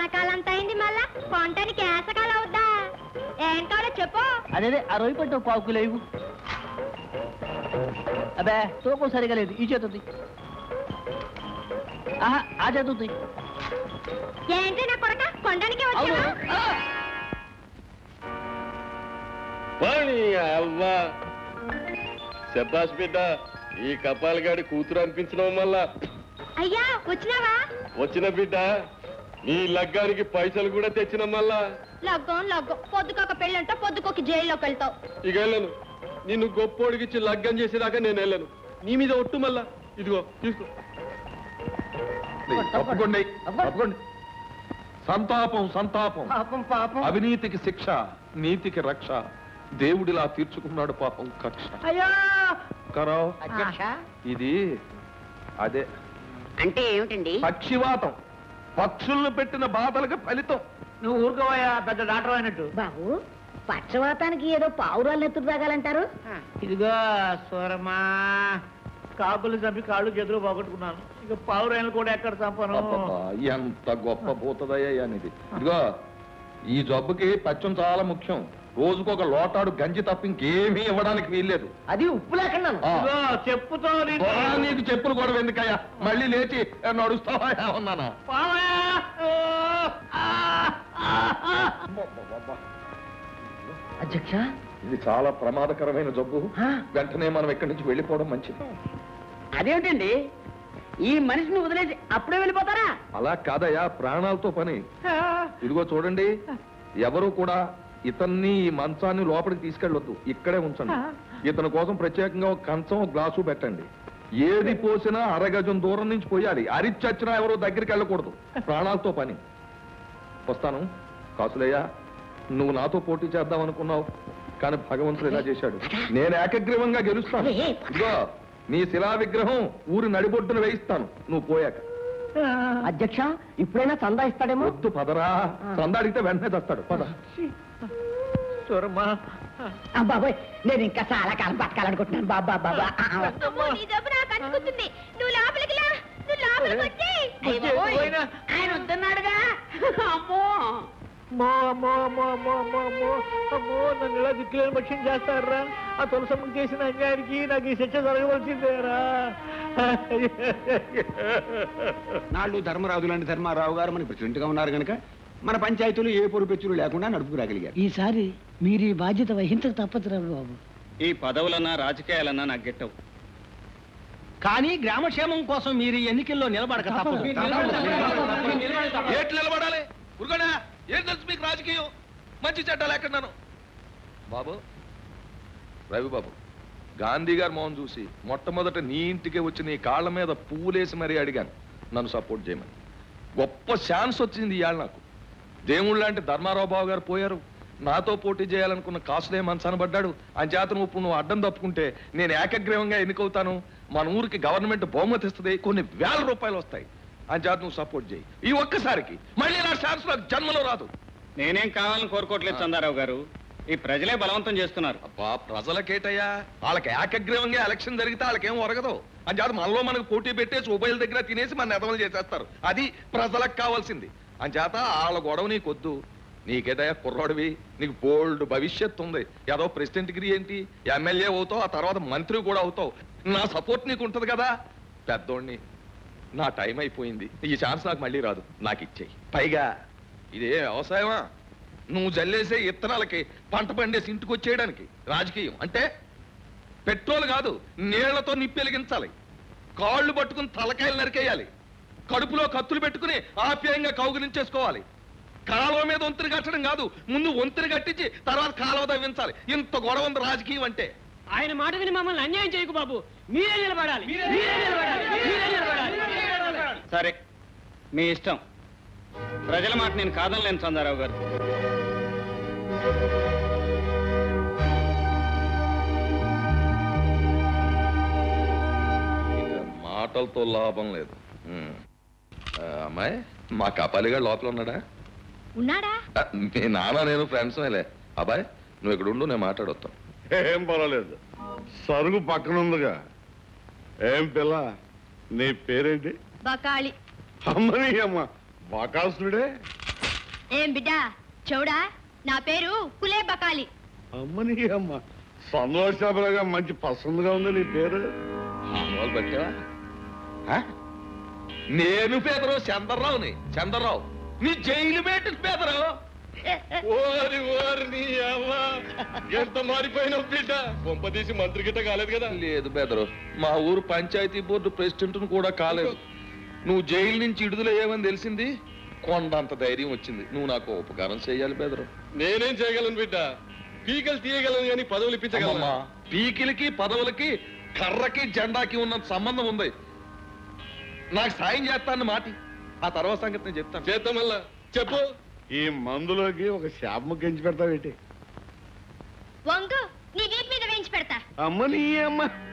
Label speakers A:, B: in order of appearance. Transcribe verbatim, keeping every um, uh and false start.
A: వానకాలంత అయింది మళ్ళా కొంటానికి ఏసకాలం అవుద్దా ఏం కావాలో చెప్పు.
B: అదే ఆ రొయ్యి పట్టు పావు కిలో ఇవ్వు. అబ్బే తూకం సరిగా లేదు, ఈ చేతుంది. ఆహా ఆ చేతుంది.
A: ఏంటి నా కొడక కొండానికి వచ్చా?
C: శబాష్ బిడ్డ, ఈ కపాలగాడి కూతురు అనిపించడం వల్ల.
A: అయ్యా వచ్చినావా?
C: వచ్చిన బిడ్డ, నీ లగ్గానికి పైసలు కూడా తెచ్చిన మళ్ళా.
A: లగ్గం లగ్గం పొద్దుకొక పెళ్ళంటో పొద్దుకొక జైల్లోకి వెళ్తావు.
C: ఇక వెళ్ళను, నిన్ను గొప్పోడికిచ్చి లగ్గం చేసేదాకా నేను వెళ్ళను. నీ మీద ఒట్టు మళ్ళా. ఇదిగో తీసుకో.
D: తప్పకుండా తప్పకుండా. సంతాపం సంతాపం. అవినీతికి శిక్ష, నీతికి రక్ష. దేవుడిలా తీర్చుకున్నాడు పాపం కక్ష. ఇది అదే
E: అంటే ఏమిటండి?
D: పక్షివాతం. పక్షులను పెట్టిన బాధలకు ఫలితం.
B: నువ్వు ఊరుకోవా, పెద్ద డాక్టర్ అయినట్టు.
E: బాబు, పక్షవాతానికి ఏదో పావురాలు ఎత్తుడు తాగాలంటారు.
B: ఇదిగో సూరమ్మా, కాకులు చంపి కాళ్ళు చేతులు పోగొట్టుకున్నాను. ఇక పావురాయలు కూడా ఎక్కడ చంపను.
D: ఎంత గొప్ప భూతదయ్యా అనేది. ఇదిగో ఈ జబ్బుకి పచ్చం చాలా ముఖ్యం. రోజుకొక లోటాడు గంజి తప్ప ఇంకేమీ ఇవ్వడానికి వీల్లేదు.
B: అది ఉప్పు లేకుండా చెప్పుతో.
D: నీకు చెప్పులు కూడా ఎందుకయ్యా? మళ్ళీ లేచి నడుస్తావా ఉన్నానా?
B: అధ్యక్ష,
D: ఇది చాలా ప్రమాదకరమైన జబ్బు. వెంటనే మనం ఇక్కడి నుంచి వెళ్ళిపోవడం మంచిది.
E: అదేమిటండి, ఈ మనిషిని వదిలేసి అప్పుడే వెళ్ళిపోతారా?
D: అలా కాదయ్యా, ప్రాణాలతో పని. ఇదిగో చూడండి, ఎవరు కూడా ఇతన్ని ఈ మంచాన్ని లోపలికి తీసుకెళ్ళొద్దు, ఇక్కడే ఉంచండి. ఇతని కోసం ప్రత్యేకంగా ఒక కంచం ఒక గ్లాసు పెట్టండి. ఏది పోసినా అరగజం దూరం నుంచి పోయాలి. అరిచచ్చినా ఎవరో దగ్గరికి వెళ్ళకూడదు. ప్రాణాలతో పని. వస్తాను. కాసులయ్యా, నువ్వు నాతో పోటీ చేద్దాం అనుకున్నావు, కానీ భగవంతుడు ఇలా చేశాడు. నేను ఏకగ్రీవంగా గెలుస్తాను. ఇదిగో నీ శిలా విగ్రహం ఊరి నడిబొడ్డును వేయిస్తాను నువ్వు పోయాక.
E: అధ్యక్ష, ఇప్పుడైనా చందా ఇస్తాడేమో.
D: వద్దు పదరా, చందా అడిగితే వెంటనే తెస్తాడు. పద.
B: సూరమ్మా,
E: బాబాయ్, నేను ఇంకా చాలా కాలం బతకాలనుకుంటున్నాను. బాబా బాబా
A: నువ్వు లోపలికి లా, నువ్వు లోపలికి వచ్చి.
E: ఆయన వద్దన్నాడుగా. అమ్మో
B: అమ్మో అమ్మో అమ్మో అమ్మో అమ్మో అమ్మో అమ్మో, నన్ను ఇలా దిక్కులేని పక్షం చేస్తారా? ఆ తులసమ్మకి చేసిన అన్యాయానికి నాకు ఈ శిక్ష జరగవలసిందేరా.
F: నాళ్ళు ధర్మరాజు లాంటి ధర్మారావు గారు మన ప్రెసిడెంట్ గా ఉన్నారు కనుక మన పంచాయతీలు ఏ పొరుపెచ్చులు లేకుండా నడుపుకురాగలిగారు.
E: ఈసారి మీరు ఈ బాధ్యత వహించక తప్పదు రావు బాబు.
G: ఈ పదవులన్నా రాజకీయాలన్నా నాకు గెట్టవు,
B: కానీ గ్రామక్షేమం కోసం మీరు ఎన్నికల్లో నిలబడక తప్పదు.
D: ఏట్లు నిలబడాలి? ఉరుగడా, ఏం తెలుసు మీకు రాజకీయం? మంచి చెడ్డాలు ఎక్కడున్నాను బాబు. రవి బాబు, గాంధీ గారు మోహన్ చూసి మొట్టమొదట నీ ఇంటికి వచ్చి నీ కాళ్ళ మీద పువ్వులేసి మరీ అడిగాను నన్ను సపోర్ట్ చేయమని. గొప్ప ఛాన్స్ వచ్చింది ఇవాళ నాకు. దేవుళ్ళు లాంటి ధర్మారావు బాబు గారు పోయారు. నాతో పోటీ చేయాలనుకున్న కాసులే మనసనబడ్డాడు. అని చేత నువ్వు నువ్వు అడ్డం తప్పుకుంటే నేను ఏకగ్రీవంగా ఎన్నికవుతాను. మన ఊరికి గవర్నమెంట్ బహుమతి ఇస్తుంది, కొన్ని వేల రూపాయలు వస్తాయి. అని చేత నువ్వు సపోర్ట్ చేయి. ఈ ఒక్కసారికి మళ్ళీ నా ఛాన్స్ నాకు జన్మలో రాదు.
G: నేనేం కావాలని కోరుకోవట్లేదు చందారావు గారు, ఈ ప్రజలే బలవంతం చేస్తున్నారు.
D: అబ్బా, ప్రజలకేటయ్యా? వాళ్ళకి ఏకగ్రీవంగా ఎలక్షన్ జరిగితే వాళ్ళకేం ఒరగదు. అని చేత మనలో మనకు పోటీ పెట్టేసి ఉభయల దగ్గర తినేసి మన నెదవలు చేసేస్తారు. అది ప్రజలకు కావాల్సింది. అని చేత వాళ్ళ గొడవ నీకొద్దు. నీకేటయ్యా కుర్రాడివి, నీకు బోల్డ్ భవిష్యత్తు ఉంది. ఏదో ప్రెసిడెంట్ డిగ్రీ ఏంటి, ఎమ్మెల్యే అవుతావు, ఆ తర్వాత మంత్రి కూడా అవుతావు. నా సపోర్ట్ నీకు ఉంటది కదా. పెద్దోడిని, నా టైం అయిపోయింది. ఈ ఛాన్స్ నాకు మళ్ళీ రాదు, నాకు ఇచ్చేయి. పైగా ఇదే వ్యవసాయమా? నువ్వు జల్లేసే ఇత్తనాలకి పంట పండేసి ఇంటికి వచ్చేయడానికి రాజకీయం అంటే పెట్రోల్ కాదు, నీళ్లతో నిప్పెలిగించాలి. కాళ్ళు పట్టుకుని తలకాయలు నరికేయాలి. కడుపులో కత్తులు పెట్టుకుని ఆప్యాయంగా కౌగిలించేసుకోవాలి. కాలువ మీద వంతుని కట్టడం కాదు, ముందు వంతుని కట్టించి తర్వాత కాలువ తవ్వించాలి. ఇంత గొడవ ఉంది రాజకీయం అంటే.
B: ఆయన మాట విని మమ్మల్ని అన్యాయం చేయకు బాబు. మీరే నిలబడాలి.
G: సరే, మీ ఇష్టం. ప్రజల మాట నేను కాదనలేను చందారావు గారు.
D: మాటలతో లాభం లేదు. అమ్మాయి, మా కపాలిగాడు లోపల ఉన్నాడా?
A: ఉన్నాడా?
D: మీ నాన్న నేను ఫ్రెండ్స్ మేలే. అబ్బాయి, నువ్వు ఇక్కడ ఉండు, నేను మాట్లాడొస్తాను.
C: ఏం పర్వాలేదు, సరుగు పక్కన ఉందిగా. ఏం పిల్ల, నీ పేరేంటి?
A: బకాళి.
C: అమ్మని అమ్మ, బకాసుడే.
A: ఏం బిడ్డా చౌడా నా పేరు కులే బకాలి.
H: అమ్మని అమ్మ సంతోషాపరగా మంచి పసందుగా ఉంది నీ పేరు.
D: మామూలు పట్టావా ఆ? నేను పేదరావు చంద్రరావుని చంద్రరావు నీ జైలు పెట్టి పేదరావు.
C: ఓరి ఓరి నీ అవ్వ ఎంత మారిపోయిన బిడ్డ కొంపదీసి మంత్రి గిట్ట కాలేదు కదా.
D: లేదు బెదరు, మా ఊరు పంచాయతీ బోర్డు ప్రెసిడెంట్ కూడా కాలేదు. నువ్వు జైలు నుంచి విడుదలయ్యావని తెలిసింది, కొండంత ధైర్యం వచ్చింది. నువ్వు నాకు ఉపకారం చేయాలి బెదరు.
C: నేనేం చేయగలను బిడ్డ, పీకలు తీయగలను కానీ పదవులు ఇప్పించగలను.
D: అమ్మమ్మా, పీకిలకి పదవులకి కర్రకి జెండాకి ఉన్నంత సంబంధం ఉంది. నాకు సాయం చేస్తాను మాటి, ఆ తర్వాత సంగతి నేను చెప్తాను.
C: చేద్దాం మళ్ళా చెప్పు.
H: ఈ మందులోకి ఒక శాపము గెంచి పెడతావేటి?
A: వంగు నీ వీపు మీద వేయించి పెడతా.
H: అమ్మని అమ్మ